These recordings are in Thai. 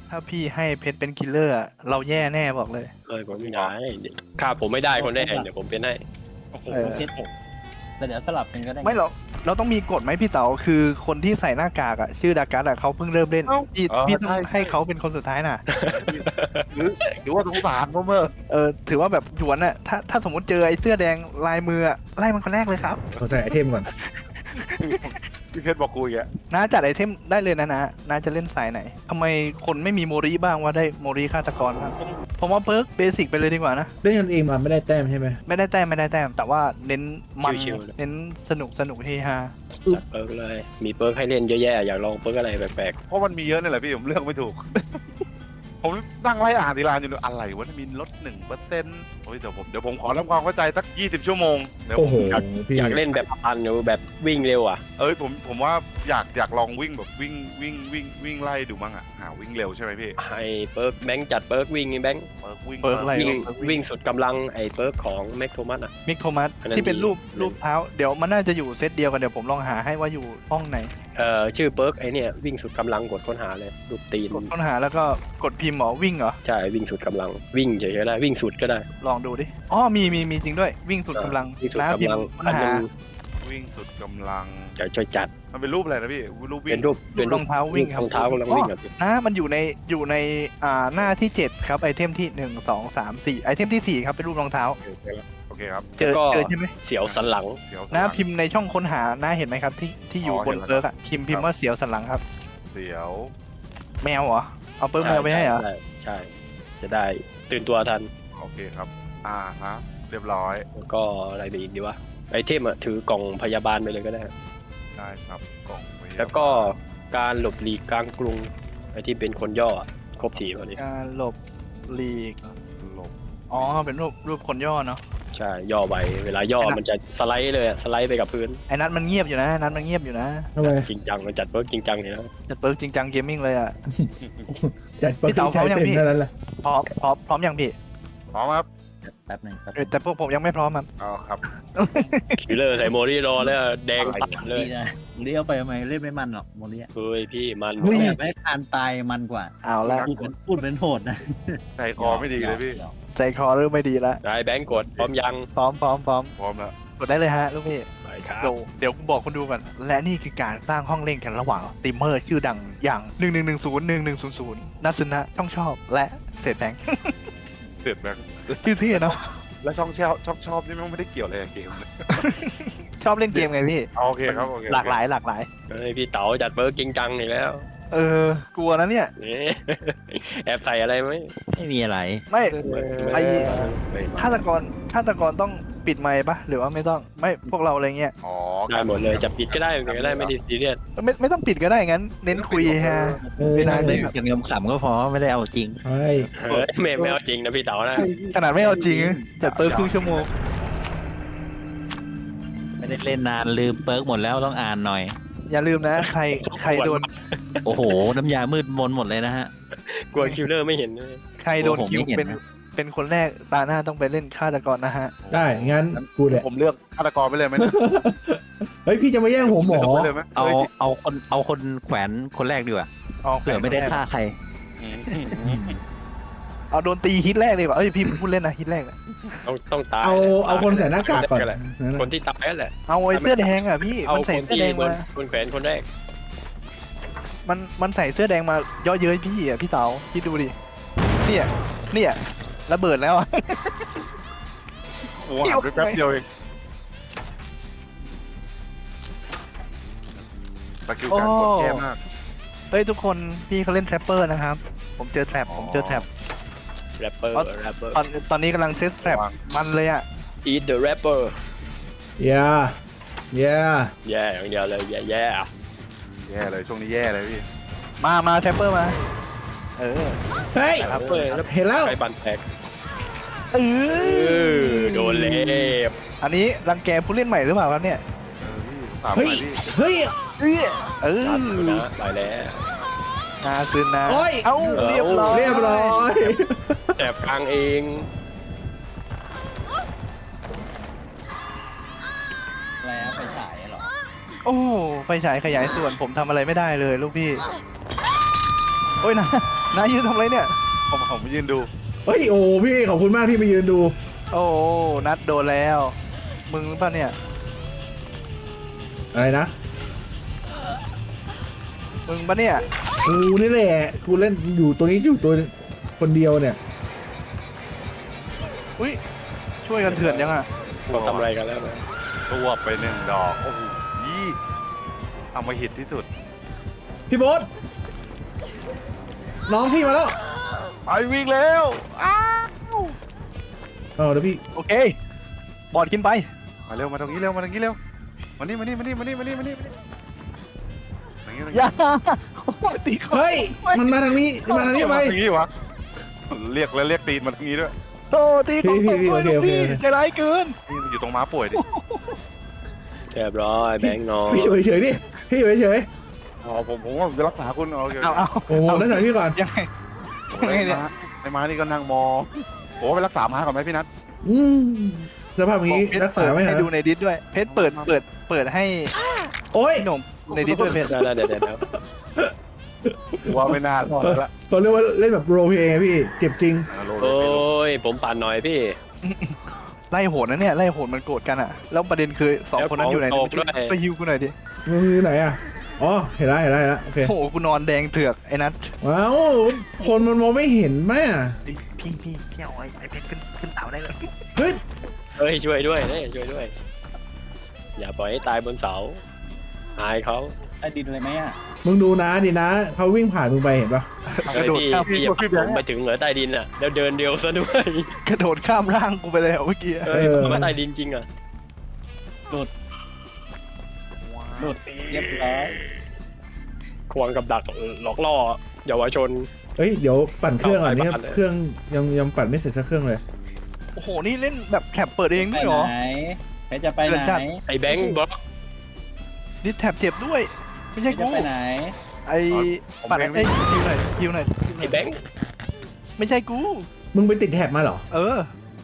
ถ้าพี่ให้เพชรเป็นคิลเลอร์อะเราแย่แน่บอกเลยผมไม่ได้ฆ่าผมไม่ได้คนแรกเดี๋ยวผมเป็นให้โอ้โหเพชรแต่เดี๋ยวสลับกันก็ได้ไม่เราต้องมีกฎไหมพี่เต๋าคือคนที่ใส่หน้ากากอะชื่อดากัสอะเขาเพิ่งเริ่มเล่นพี่ต้องให้เขาเป็นคนสุดท้ายน่ะหรือว่าสงสารพ่อเมื่อถือว่าแบบหยวนอะถ้าสมมติเจอไอ้เสื้อแดงลายมืออะไล่มันคนแรกเลยครับเขาใส่ไอเทมก่อนพี่เพชรบอกกูอย่างเงี้ยน้าจัดไอเทมได้เลยนะน้าจะเล่นสายไหนทำไมคนไม่มีโมริบ้างว่าได้โมริฆาตกรครับผมว่าเพิร์กเบสิกไปเลยดีกว่านะเล่นกันเองมาไม่ได้แต้มใช่ไหมไม่ได้แต้มแต่ว่าเน้นมันเน้นสนุกเฮฮาจัดเปิร์กเลยมีเปิร์กให้เล่นเยอะแยะอยากลองเปิร์กอะไรแปลกเพราะมันมีเยอะนี่แหละพี่ผมเลือกไม่ถูก ผมนั่งไล่อ่านทีลานอยู่อะไรวะมีลด1%โอ้ยเดี๋ยวผมขอทำความเข้าใจสัก20 ชั่วโมงเดี๋ยวโอ้โหพี่อยากเล่นแบบพันอยู่แบบวิ่งเร็วอ่ะผมว่าอยากลองวิ่งแบบวิ่งไล่ดูมั้งอ่ะหาวิ่งเร็วใช่ไหมพี่ให้เปิร์กแบงค์จัดเปิร์กวิ่งแบงค์วิ่งเพิร์กอะไรวิ่งสุดกำลังไอ้เปิร์กของแม็กโทมัสอ่ะมิกโทมัสอันนั้นที่เป็นรูปดีเท้าเดี๋ยวมันน่าจะอยู่เซตเดียวกันเดี๋ยวผมลองหาให้ว่าอยู่ห้องไหนชื่อเปิร์กไอ้เนี่ยวิ่งสุดกำลังกดค้นหาเลยรูปตีนกดค้นหาแล้วก็กดพิมพ์หมอวิ่งเหรอใช่วิ่งสุดกำลังวิ่งเฉยๆก็ได้วิ่งสุดก็ได้ลองดูดิอ๋อมีจริงด้วยวิ่งสุดกำลังวิ่งสุดน้ากำพิมลังพ์ค้นอันหานึงวิ่งสุดกำลังเดี๋ยวช่วยจัดมันเป็นรูปอะไรนะพี่รูปวิ่เป็งนรูปรองเท้าวิ่งครับรองเท้ากำลังวิ่งแบบนะมันอยู่ในหน้าที่ 7 ครับไอเทมที่ 1 2 3 4ไอเทมที่ 4 ครับเป็นรูปรองเท้าโอเคครับเจอก็ใช่ไหมเสียวสันหลังเสียวสันะพิมพ์ในช่องค้นหานะเห็นไหมครับที่อยู่อ๋อบนเห็นแล้วเปิร์กอะพิมพ์ว่าเสียวสันหลังครับเสียวแมวเหรอเอาเปิร์กแมวไปให้เหรอใช่ จะได้ตื่นตัวทันโอเคครับฮะเรียบร้อยแล้วก็อะไรไปอีกดีวะไอเทมอะถือกล่องพยาบาลไปเลยก็ได้ได้ครับกล่องพยาบาลแล้วก็การหลบหลีกกลางกรุงไอที่เป็นคนย่ออะครบ4พอดีการหลบหลีกหลบอ๋อเป็นรูปคนย่อเนาะใช่ย่อไปเวลาย่อมันจะสไลด์เลยอะสไลด์ไปกับพื้นไอ้นัทมันเงียบอยู่นะนัทมันเงียบอยู่นะทำไมจริงจังมันจัดเวิร์กจริงจังเลยนะจัดเปิร์กจริงจังเกมมิ่งเลยอะจัดปกพี่ติเต๋าใช้พร้อมยังเป็นพี่เท่านั้นแหละพร้อมยังพี่พร้อมครับแป๊บหนึงแต่พวกผมยังไม่พร้อมครับอ๋อครับคิลเลอร์ใส่โมรี่รอเลยอะแดงปัดเลยดีนะเลี้ยวไปทำไมเล่นไม่มันหรอกโมเลียเฮ้ยพี่มันแบบไม่คานตายมันกว่าเอาละพูดเป็นโหดนะใจคอไม่ดีเลยพี่ใจคอเริ่มไม่ดีละได้แบงก์กดพร้อมยังพร้อมพร้อมแล้วกดได้เลยฮะลูกพี่ไปครับเดี๋ยวกูบอกคนดูก่อนและนี่คือการสร้างห้องเล่นกันระหว่างสตรีมเมอร์ชื่อดังอย่าง 1110 นัสนะช่องชอบและเศษแบงค์เสร็จแล้วชื่อเท่เนาะแล้วช่องชอบนี่มันไม่ได้เกี่ยวอะไรกับเกมเลยชอบเล่นเกมไงพี่โอเคครับโอเคหลากหลายเฮ้ยพี่เต๋าจัดเบิร์กจริงจังอีกแล้วกลัวนะเนี่ยนี่ แอบใส่อะไรไหมไม่มีอะไรไม่ ไอ้ไม่ฆาตกรต้องปิดไมค์ปะหรือว่าไม่ต้องไม่พวกเราอะไรเงี้ยอ๋อได้หมดเลยจะปิดก็ได้ก็ได้ไม่ได้ซีเรียสไม่ต้องปิดก็ได้งั้น เน้นคุยฮะ ไม่ได้เลยอย่างยมขำก็พอไม่ได้เอาจริงเฮ้ยเฮ้ยไม่เอาจริงนะพี่เต๋านะขนาดไม่เอาจริงจัดเปิร์ครึ่งชั่วโมงไม่ได้เล่นนานลืมเปิร์กหมดแล้วต้องอ่านหน่อยอย่าลืมนะ ใครโดนโอ้โห น้ำยามืดมนหมดเลยนะฮะกลัวคิลเลอร์ไม่เห็นเลยใครโดนผมคิวไม่เห็นเป็นนะเป็นคนแรกตาหน้าต้องไปเล่นฆาตกรนะฮะได้งั้นกูแหละผมเลือกฆาตกรไปเลยไหมเฮ้ยพี่จะมาแย่งผมหมอไปเลยไหมเอาคนแขวนคนแรกดีกว่าเผื่อไม่ได้ฆ่าใครเอาโดนตีฮิตแรกเลยว่ะเอ้ยพี่พูดเล่นนะฮิตแรกน่ะต้องตายเอาคนใส่หน้ากากก่อนแหละคนที่ตายนั่นแหละเอาไอ้เสื้อแดงอ่ะพี่เอามันคใส่นเสื้อที่แดงบนมาคนแขวนคนแรกมันใส่เสื้อแดงมาเย่อเย้ยพี่อ่ะพี่เต๋าคิดดูดิเนี่ยระเบิดแล้วอะโอ้โหหาไปแป๊บเดียวเองสกิลการกดแย่มากเฮ้ยทุกคนพี่เขาเล่นแทรปเปอร์นะครับผมเจอแทรปแรปเปอร์แรปเปอร์ตอนนี้กำลังเซตแทรปมันเลยอ่ะ eat the rapper อย่าแย่อย่างเดียวเลยแย่แย่เลยช่วงนี้แย่เลยพี่มาแทรปเปอร์มาเออเฮ้ยครับเปอร์เห็นแล้วใครบันแตกเออโดนเล็บอันนี้รังแกผู้เล่นใหม่หรือเปล่าครับเนี่ยถามหเฮ้น่ยอยพี่เฮ้ยเออครับนะไปแล้วนาซึนนะโอ้ยเอ้าเรียบร้อยเรียบร้อยแอบกลางเองอะไรนะไปฉายเหรอโอ้ไฟฉายขยายส่วนผมทำอะไรไม่ได้เลยลูกพี่โอ้ยนะนายยืนทำอะไรเนี่ยผมยืนดูเฮ้ยโอ้พี่ขอบคุณมากที่มายืนดูโอ้นัดโดนแล้ว มึงหรือเปล่าเนี่ยอะไรนะมึงปะเนี่ยกูนี่แหละกูเล่นอยู่ตัวนี้อยู่ตัวคนเดียวเนี่ยอุ้ยช่วยกันเถื่อนยังอ่ะเขาทำอะไรกันแล้วนะตัวไปหนึ่งดอกโอ้โหยี่เอามาหิตที่สุดพี่โบ๊ทน้องพี่มาแล้วไปวิ่งแล้วอ้าวเอาเดี๋ยวพี่โอเคบอดกินไปมาเร็วมาตรงนี้เร็วมาตรงนี้เร็วมานี่มานี่มานี่มานี่มานี่มานี่มานี่ตรงนี้ตรงอนี้ย่าโอ้ยตีเขาเฮ้ยมันมาทางนี้มาทางนี้ไปมาตรงนี้วะเรียกแล้วเรียกตีนมาตรงนี้ด้วยโตตีเขาพี่ตกด้วยโอเคลูกพี่โอเคใจร้ายเกินนี่มันอยู่ตรงม้าป่วยดิเรียบร้อยแบงค์นอนพี่อยู่เฉยๆดิพี่อยู่เฉยอ๋อผมว่าผมจะรักษาคุณเอาเอาๆโอ้โหแล้วถ่ายพี่ก่อนยังไงไอ้ม้านี่ก็นั่งมองโอ้ไปรักษาม้าก่อนไหมพี่นัทอืมสภาพอย่างนี้เพชรักษาไม่ให้หายดูในดิสด้วย เพชรเปิดให้โอ้ยพี่หนุ่มในดิสด้วยเพชรได้เดี๋ยวว่าไม่น่ารอดแล้วเขาเรียกว่าเล่นแบบโรลเพลย์พี่เจ็บจริงโอ้ยผมปั่นหน่อยพี่ไล่โหดนะเนี่ยไล่โหดมันโกรธกันอ่ะแล้วประเด็นคือสองคนนั้นอยู่ไหนแล้วของตกด้วยไปฮิวกูหน่อยดิมึงอยู่ไหนอ่ะอ๋อเห็นแล้วโอเคโอ้โหกูนอนแดงเถือกไอ้นัทว้าวคนมันมองไม่เห็นแม่พี่เอาไอ้เพชรขึ้นเสาได้เลยเฮ้ยเฮ้ยช่วยด้วยเนี่ยช่วยด้วย อย่าปล่อยให้ตายบนเสาอายเขาใต้ดินเลยไหมอ่ะมึงดูนะดินะเขาวิ่งผ่านมึงไปเห็นปะกระโดดพี่ข้ามพี่อย่าลงไปถึงเหนือใต้ดินอ่ะแล้วเดินเดียวซะด้วยกระโดดข้ามร่างกูไปแล้วเมื่อกี้เฮ้ยผมว่าใต้ดินจริงอ่ะหลุดเรียบร้อยควงกับดักหลอกล่อเยาวชนเฮ้ยเดี๋ยวปั่นเครื่องอันนี้เอาไปปั่นเลยเครื่องยังปั่นไม่เสร็จสักเครื่องเลยโอ้โหนี่เล่นแบบแท็บเปิดเองไปด้วยเหรอไหนเพชรจะไปไหเดินจัดนไอ้แบงค์บล็อกนี่แท็บเจ็บด้วย ไม่เพใช่ชรจะกูไปไหนไอ้ปัดไอ้ฮิวหน่อยไอ้แบงค์ไม่ใช่กูมึงไปติดแท็บมาเหรอเออ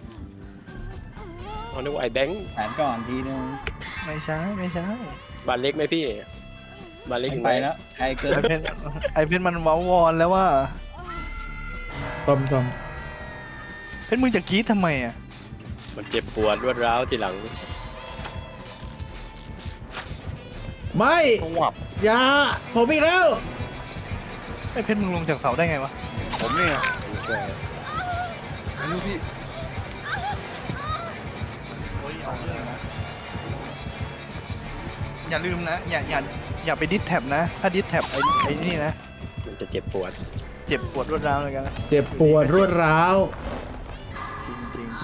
เขาเรียกว่าไอ้แบงค์แผนก่อนทีนึงไม่ใช่บ้านเล็กไหมพี่บ้านเล็กอยู่ไปไหนแล้วไกลเกินไอเพชรมันเว้าวอนแล้วว่าซ่อมเพชรมึงจะกรี๊ดทำไมอ่ะมันเจ็บปวดรวดร้าวทีหลังไม่ต้องหวับอย่าผมอีกแล้วไอเพชรมึงลงจากเสาได้ไงวะผมเนี่ยช่วยอายุพี่โอ้ยเอาเรื่องนะอย่าลืมนะอย่าไปดิสแท็บนะ ถ้าดิสแท็บไอ้นี่นะมันจะเจ็บปวดเจ็บปวดรวดร้าวเลยกันนะเจ็บปวดรวดร้าวจริง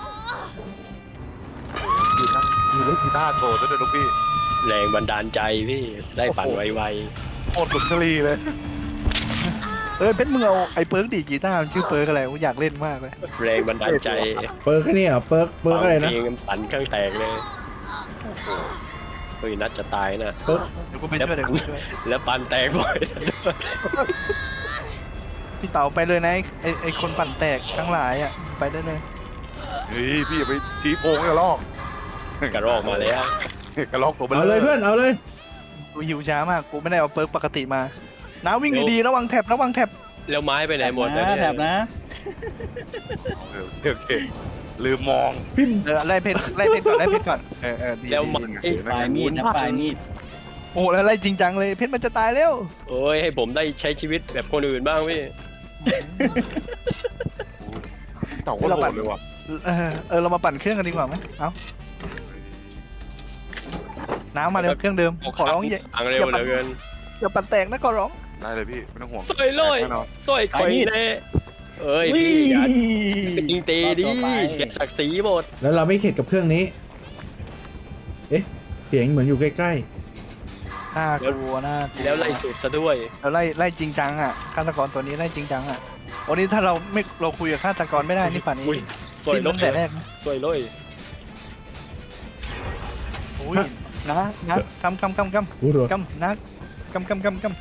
อยู่เล่นกีตาร์โชว์ซะด้วยลูกพี่แรงบันดาลใจพี่ได้ปั่นไวโคตรสุนทรีเลยเพชรมึงเอาไอ้เปิร์กดีดกีตาร์มันชื่อเปิร์กอะไรกูอยากเล่นมากเลยๆแรงบันดาลใจเปิร์กแค่นี้เหรอเปิร์กอะไรนะเพลงปั่นเครื่องแตกเลยเฮ้ยนัดจะตายนะเปิร์กเดี๋ยวกูไปช่วยเดี๋ยวกูไปช่วยแล้วปั่นแตกบ่อยพี่เต๋าไปเลยนะไอ้คนปั่นแตกทั้งหลายอ่ะไปได้เลยเฮ้ยพี่อย่าไปชี้โพงกระลอกกระรอกมาแล้วกระลอกตัวเบลเอาเลยเพื่อนเอาเลยกูหิวช้ามากกูไม่ได้เอาเปิร์กปกติมาน้าวิ่งดีๆระวังแท็บแล้วไม้ไปไหนหมดนะแถบนะโอเคลืมมองพี่ไล่เพชรก่อนดีแล้วไม้ปลายมีดนะปลายมีดโอ้แล้วไล่จริงจังเลยเพชรมันจะตายแล้วโอ้ยให้ผมได้ใช้ชีวิตแบบคนอื่นบ้างพี่เต่าก็โหดเลยว่ะเรามาปั่นเครื่องกันดีกว่าไหมเอ้าน้ำมาเร็วเครื่องเดิมขอร้องอย่าทางเร็วเหลือเกินอย่าปั่นแตกนะขอร้องได้เลยพี่ไม่ต้องห่วงสวยเลยแน่นอนสวยคอยเน่เอ้ยพี่อย่ายิงตีดิเสียศักดิ์ศรีหมดแล้วเราไม่เข็ดกับเครื่องนี้ เอ๊ะเสียงเหมือนอยู่ใกล้น่ากลัวนะแล้วไล่สุดซะด้วยเราไล่จริงจังอ่ะฆาตกรตัวนี้ไล่จริงจังอ่ะวันนี้ถ้าเราคุยกับฆาตกรไม่ได้นี่ป่านนี้อุ้ยสวยสิ้นเลตั้งแต่แรยกนะสวยเลยอุ้ยนะกำๆกูรัวนะกำ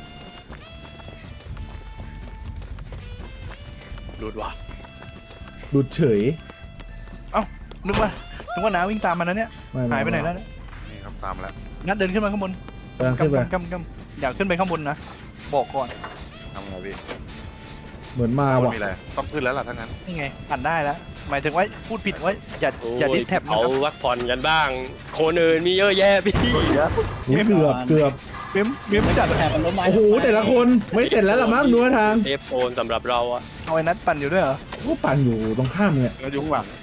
หลุดว่ะดูดเฉยนึกว่าน้าวิ่งตามมันนะเนี่ยม่หายไปไหนแล้วเนี่ยนี่ครับตามมาแล้วนัดเดินขึ้นมาข้างบนกำลังขึ้นไปกำอยากขึ้นไปข้างบนนะบอกก่อนทำไงพี่เหมือนมาว่ะมีอะไรต้องขึ้นแล้วล่ะทั้งนั้นนี่ไงปั่นได้แล้วหมายถึงว่าพูดผิดว่าอย่าดิสแท็บนะเอาครับวักผ่อนกันบ้าง คนอื่นมีเยอะแยะพี่อุ๊ยเกือบเม้มจัดแถบมันล้มไม้โอ้โหแต่ละคนไม่เสร็จแล้วล่ะมั้งนัวทางเทปโฟนสำหรับเราอะเอาไอ้นัดปั่นอยู่ด้วยเหรอก็ปั่นอยู่ตรงข้ามเนี่ยก็ยุ่งหลัง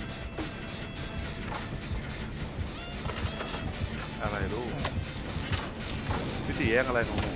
อะไรลูกพี่ตีแย่งอะไรของหนู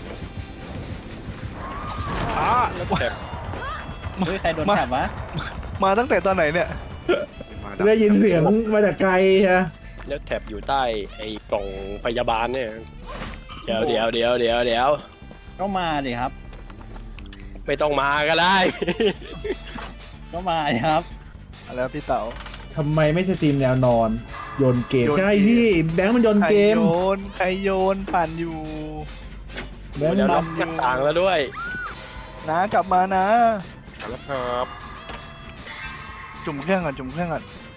ช้าแล้วแถบเฮ้ยใครโดนแถบวะมาตั้งแต่ตอนไหนเนี่ยมาได้ยินเสียงมาจากไกลฮะแล้วแถบอยู่ใต้ไอ้กล่องพยาบาลเนี่ยเดี๋ยวก็มาดิครับไม่ต้องมาก็ได้ก็มาดิครับแล้วพี่เต๋าทำไมไม่สตรีมแนวนอนโยนเกมโยนเกมใช่พี่แบงค์มันโยนใครเกมใครโยนปั่นอยู่แบงค์เดี๋ยวมัล็อน กหน้าต่างแล้วด้วยนะกลับมานะแล้วครับจุ่มเครื่องก่อนจุ่มเลย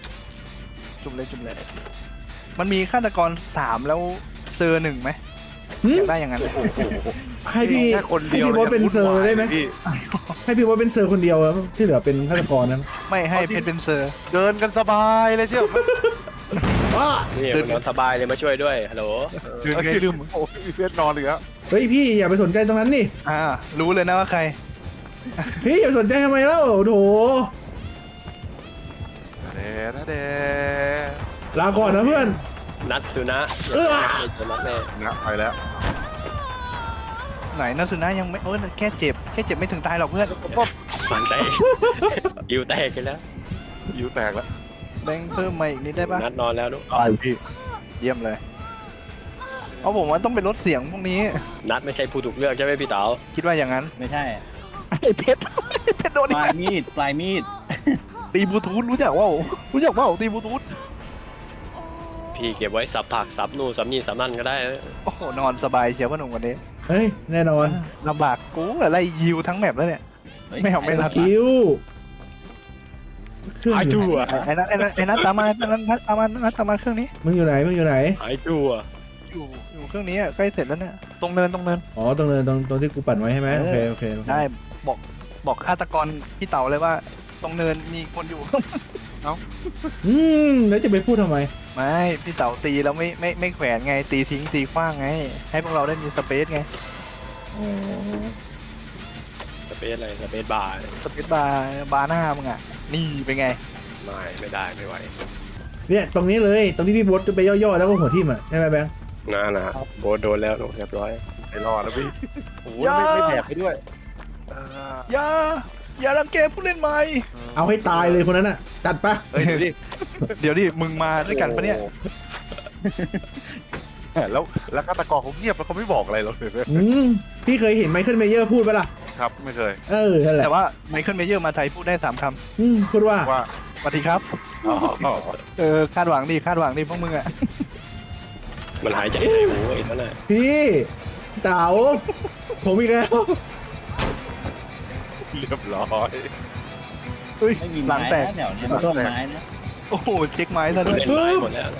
มันมีฆาตกร3แล้วเซอร์1ไหมหึอยากได้อย่างนั้นเลยให้พี่แค่คนเดียวให้พี่โบ๊ทเป็นเซอร์ได้ไหมพี่ให้พี่ว่าเป็นเซอร์คนเดียวแล้วที่เหลือเป็นฆาตกรนั้นไม่ให้เพชรเป็นเซอร์เดินกันสบายเลยเชียวอ้านี่มันนอนสบายเลยมาช่วยด้วยฮัลโหลยืนไงลืมโอ้ยเพื่อนนอนเลยครับเฮ้ยพี่อย่าไปสนใจตรงนั้นนี่รู้เลยนะว่าใครพี่อย่าไปสนใจทำไมเล่าโถเดลาก่อนนะเพื่อนนัดสุนะ จะนัดแน่นะไปแล้วไหนนัสุนะยังไม่แค่เจ็บไม่ถึงตายหรอกเพื่อนมันแตกยิวแตกกันแล้วยิวแตกแล้วแบงค์เพิ่มมาอีกนิดได้ปะนัดนอนแล้วนุพี่เยี่ยมเลยเอาผมว่าต้องเป็นลดเสียงพวกนี้นัดไม่ใช่ผู้ถูกเลือกใช่ไหมพี่เต๋าคิดว่าอย่างนั้นไม่ใช่ไอ้เพชรโดนปลายมีดปลายมีดตีบลูทูธรู้จักว่าตีบลูทูธพี่เก็บไว้สับผักสับนู่นสับนี่สับนั่นก็ได้โอ้โหนอนสบายเชียวพ่อหนุ่มวันนี้เฮ้ยแน่นอนลำบากกูอะไรยิวทั้งแมปแล้วเนี่ยฮ้ยไม่เอาไม่รับคิวเครื่องหายอยู่ตัวไอ้นัทตามมาตามมาเครื่องนี้มึงอยู่ไหนหายตัวอยู่เครื่องนี้ใกล้เสร็จแล้วเนี่ยตรงเนินอ๋อตรงเนินตรงที่กูปั่นไว้ใช่ไหมโอเคได้บอกฆาตกรพี่เต๋าเลยว่า ตรงเนินมีคนอยู่แล้วจะไปพูดทำไมไม่พี่เต๋าตีแล้วไม่แขวนไงตีทิ้งตีขว้างไง ให้พวกเราได้มีสเปซไงสเปซอะไรสเปซบาร์สเปซบาร์หน้ามึงอ่ะนี่เป็นไงไม่ได้ไม่ไหวเนี่ยตรงนี้เลยตรงที่พี่โบ๊ทจะไปย่อๆแล้วก็หัวทิ่มอ่ะใช่ไหมแบงค์นะโบสโดนแล้วเรียบร้อยไม่รอดแล้วพี่โอ้ยอย่าไม่แถบไปด้วยอย่ารังแกผู้เล่นใหม่เอาให้ตายเลยคนนั้นอ่ะจัดปะเฮ้ยเดี๋ยวดิเดี๋ยวดิมึงมาด้วยกันปะเนี่ยแล้วฆาตกรเขาเงียบแล้วเขาไม่บอกอะไรเราเลยพี่เคยเห็นไมเคิลเมเยอร์พูดปะล่ะครับไม่เคยนั่นแหละแต่ว่าไมเคิลเมเยอร์มาไทยพูดได้3 คพูดว่าว่าำสวัสดีครับอ๋อคาดหวังดิพวกมึงอ่ะมันหายใจในหูไอ้นั่นน่ะพี่เต๋าผมอีกแล้วเรียบร้อยเฮ้ยไม่มีหลัไม้งแตกนะแถวเนี้ยไม่ต้นไม้นะโอ้โหเช็คไม้ซะด้วยเล่นไม้หมดแล้ว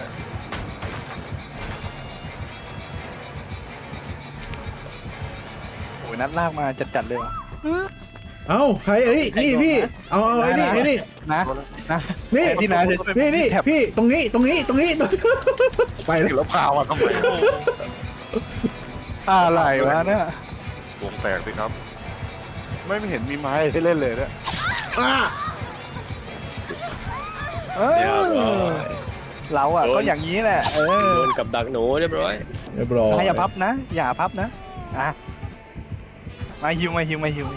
โอ้ยนัดลากมาจัดเลยว่ะเอ้าใครนี่พี่เอาไอ้นี่นะนี่ที่ไหนนี่พี่ตรงนี้ไปแล้วแล้วพามาทำไมอะไรวะเนี่ยวงแตกสิครับ ไม่เห็นมีไม้ให้เล่นเลยเนี่ยเออเราอ่ะก็อย่างนี้แหละโดนกับดักหนูเรียบร้อยเรียบร้อยอย่าพับนะมาฮิวโอ้โห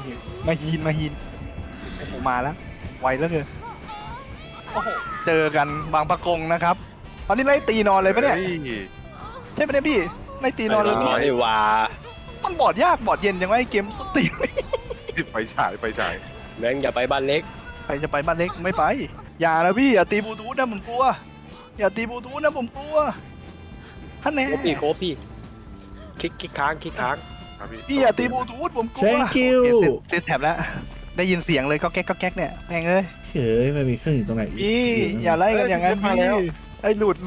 มาแล้วไวแล้วเลยโอ้โหเจอกันบางปะกงนะครับตอนนี้ไล่ตีนอนเลยปะเนี่ยใช่ปะเนี่ยพี่ไล่ตีนอนเลยไอ้วามันบอดยากบอดเย็นยังไงเกมสตีไฟฉายแบงค์อย่าไปบ้านเล็กใครจะไปบ้านเล็กไม่ไปอย่านะพี่อย่าตีบลูทูธนะผมกลัวอย่าตีบลูทูธนะผมกลัวท่านแน่โคพี่คลิกค้างครับพี่พี่อย่าตีบลูทูธผมกลัว Thank you เซตแท็บแล้วได้ยินเสียงเลยก็แก๊กเนี่ยแม่งเลยเฮ้ยไม่มีเครื่องอยู่ตรงไหนพี่อย่าไล่กันอย่างนั้นพี่ไอ้หลุด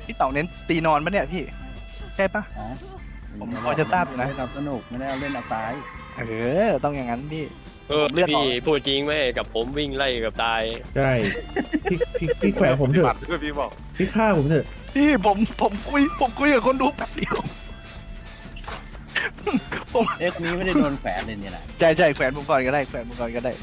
พี่เต่าเน้นตีนอนปะเนี่ยพี่ใช่ปะอ๋อผมพอจะทราบอยู่นะเล่นเอาสนุกไม่ได้เอาเล่นเอาตายต้องอย่างนั้นพี่เลือดพี่พูดจริงไหมกับผมวิ่งไล่กับตายใช่พี่แขวนผมเถบัอะตรด้วยพี่บอกพี่ฆ่าผมเถอะพี่ผมคุยกับคนดูแป๊บเดียวเอ๊ะคนนี้ไม่ได้โดนแฝดเลยเนี่ยนะใช่แขวนผมก่อนก็ได้แขวนผมก่อนก็ได้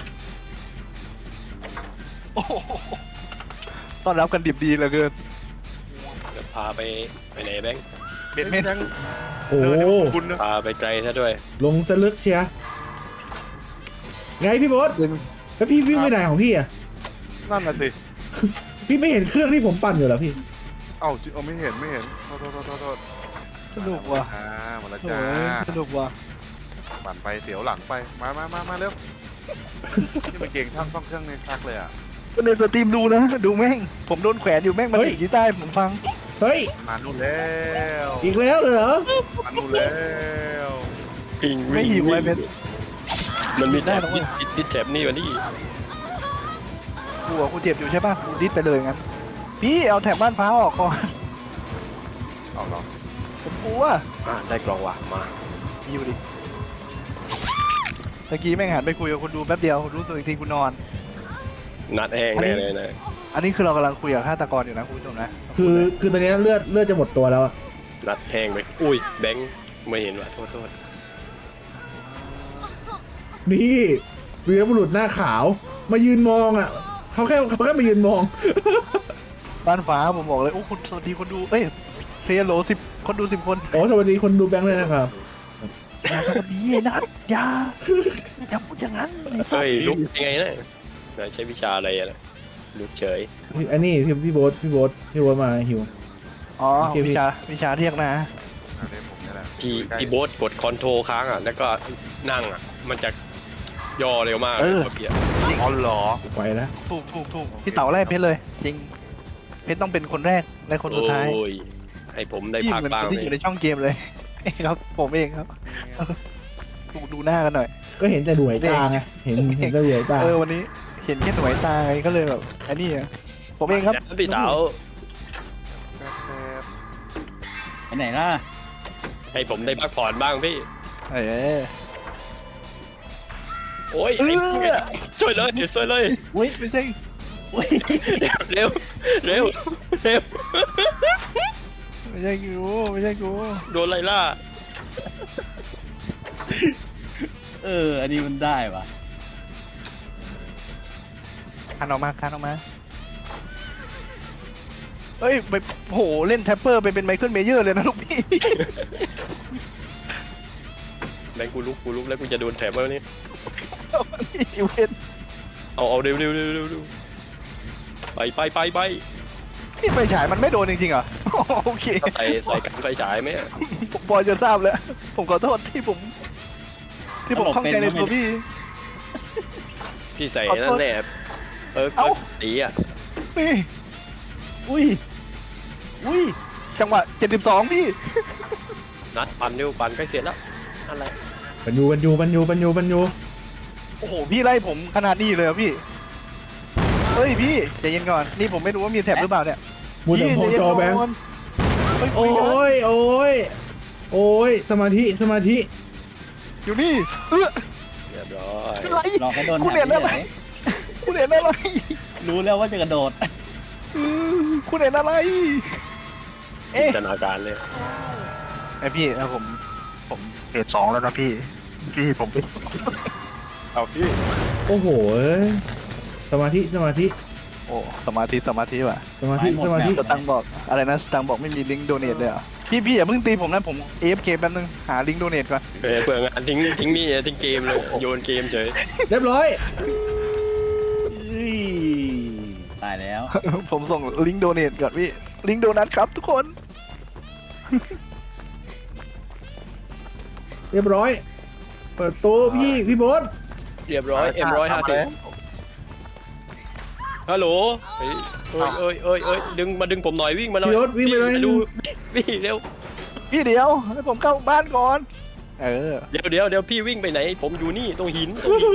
โอ้โหต้อนรับกันดิบดีเหลือเกินเดี๋ยวพาไปไหนแบงค์เบ็ดเมนโอ้คุณนะพาไปไกลซะด้วยลงสลึกเชียร์ไงพี่โบ๊ทแล้วพี่วิ่งไปไหนของพี่อ่ะนั่นน่ะสิพี่ไม่เห็นเครื่องที่ผมปั่นอยู่เหรอพี่เอ้าไม่เห็นโทษสนุกว่ะมาแล้วโอ้จ้ายสนุกว่ะปั่นไปเสียวหลังไปมาเร็วนี่มันเก่งทั้งต้องเครื่องในซักเลยอ่ะก็ในสตรีมดูนะดูแม่งผมโดนแขวนอยู่แม่งมันเฮ้ยดีดกีตาร์ให้ผมฟังเฮ้ยมานู่นแล้วอีกแล้วเหรอมานู่นแล้วปิงไม่หิวไอ้เบ็ดมันมีได้แถบหรอวะติดแถบนี่วันนี้กูเจ็บอยู่ใช่ป่ะกูดิสไปเลยงั้นพี่เอาแถบบ้านฟ้าออกก่อนเอาเหรอผมกลัวได้กล่องว่ะมาอยู่ดิตะกี้แม่งหันไปคุยกับคนดูแป๊บเดียวรู้สึกอีกทีกูนอนนัดแห้งแน่เลยนะอันนี้คือเรากำลังคุยกับฆาตกรอยู่นะคุณผู้ชมนะคือตอนนี้เลือดจะหมดตัวแล้วอะนัดแห้งไปอุ้ยแบงค์ไม่เห็นว่ะโทษนี่วีรบุรุษหน้าขาวมายืนมองอ่ะเขาแค่มายืนมองบ้านฟ้าผมบอกเลยโอ้คุณสวัสดีคนดูเอ้ยเซโล10 คนดู10 คนโอ้สวัสดีคนดูแบงค์เลยนะครับอย่าสวัสดีไอ้นัทอย่าพูดอย่างนั้นไอ้สัสเฮ้ยลุกยังไงนะใช้วิชาอะไรอะลุกเฉยอันนี้พี่โบ๊ทมาหิวอ๋อโอเคพี่วิชาเรียกนะอันนี้ผมนี่แหละพี่โบ๊ทกดคอนโทรลค้างอ่ะแล้วก็นั่งอ่ะมันจะย่อเร็วมากเลยเกียร์อ๋อเหรอไปแล้วถูกพี่เต๋าไล่เพชรเลย จริง เพชรต้องเป็นคนแรกและคนสุดท้ายโอ้ยให้ผมได้ที่พักเหมือนบ้างที่เลอยู่ยในช่องเกมเลย ครับ ผมเองครับดูหน้ากันหน่อยก็เห็นแต่หน่วยตาไงเห็นแต่หน่วยตาวันนี้เห็นแค่หน่วยตาไงก็เลยแบบอันนี้อะผมเองครับพี่เต๋าไปไหนล่ะให้ผมได้พักผ่อนบ้างพี่เออโอ้ยช่วยเลยอุ้ยไม่ใช่อุ้ยเร็วไม่ใช่กูโดนไล่ล่าอันนี้มันได้ปะคันออกมาเฮ้ยไปโหเล่นแท็ปเปอร์ไปเป็นไมเคิลเมเยอร์เลยนะลูกพี่แบงกูลุกแล้วกูจะโดนแถบแล้วนี่ดิวเวนเอาเร็วไปนี่ไฟฉายมันไม่โดนจริงๆเหรอ โอเคใส่กันไฟฉายไหมผมพอจะทราบแล้ว ผมขอโทษที่ผมข้องใจในตัวพี่พี่ใส่นั่นแหละก็ตีอ่ะนี่อุ้ยจังหวะ72พี่นัดปั่นเร็วปั่นใกล้เสร็จแล้วอะไรปันยูโอ้โหพี่ไล่ผมขนาดนี้เลยเหรอพี่เฮ้ยพี่ใจเย็นก่อนนี่ผมไม่รู้ว่ามีแท็บหรือเปล่าเนี่ยมูแต่โพจอแบงค์เฮ้ยโอ้ยสมาธิอยู่นี่เรียบร้อยอะไรรอแค่โดนคุณแถเห็บนอะไรเฉยคุณเห็นอะไรรู้แล้วว่าจะกระโดดคุณเห็นอะไรจินตนาการเลยไอพี่นะผมเฟส2แล้วนะพี่ผมเป็นเอาพี่โอ้โหสมาธิโอ้สมาธิว่ะสมาธิสตังค์บอกอะไรนะสตังค์บอกไม่มีลิงก์โดเนทเลยเหรอพี่อย่าเพิ่งตีผมนะผม AFK แป๊บนึงหาลิงก์โดเนทก่อนเผื่องานทิ้งนี่ทิ้งเกมเลยโยนเกมเฉยเรียบร้อยตายแล้วผมส่งลิงก์โดเนทก่อนพี่ลิงก์โดนัทครับทุกคนเรียบร้อย เปิดตู้พี่โบ๊ทเรียบร้อยM150ฮัลโหลเอ้ยดึงผมหน่อยวิ่งมาหน่อยพี่โบ๊ทวิ่งไปเลยดูวิ่งเร็วพี่เดี๋ยวให้ผมเข้าบ้านก่อนเดี๋ยวพี่วิ่งไปไหน ผมอยู่นี่ตรงหิน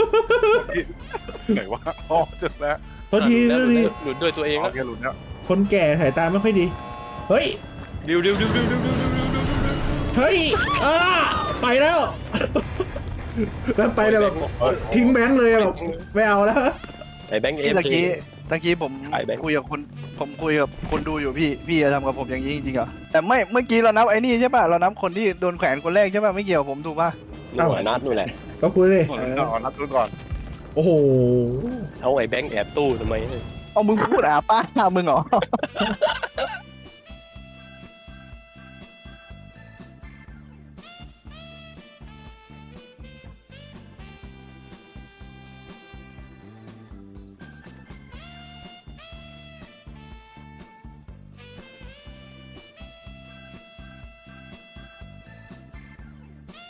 ไหนวะอ๋อเจอแล้วโทษทีหลุดด้วยตัวเองโอแล้วเคหลุดแล้วคนแก่สายตาไม่ค่อยดีเฮ้ยดิวเฮ้ยไปแล้วแล้วไปเลยแบบทิ้งแบงค์เลยอะแบบไม่เอาแล้วไอ้แบงค์เอที่ฟตะกี้ผมไอ้แบงค์คุยกับคนดูอยู่พี่จะทำกับผมอย่างนี้จริงๆเหรอแต่ไม่เมื่อกี้เรานับไอ้นี่ใช่ป่ะเรานับคนที่โดนแขวนคนแรกใช่ป่ะไม่เกี่ยวผมถูกป่ะนู่นนัดนู่นแหละก็คุยเลยก่อนนัดดูก่อนโอ้โหเอาไอ้แบงค์แอบตู้ทำไมเอามึงพูดป้ามึงเหรอ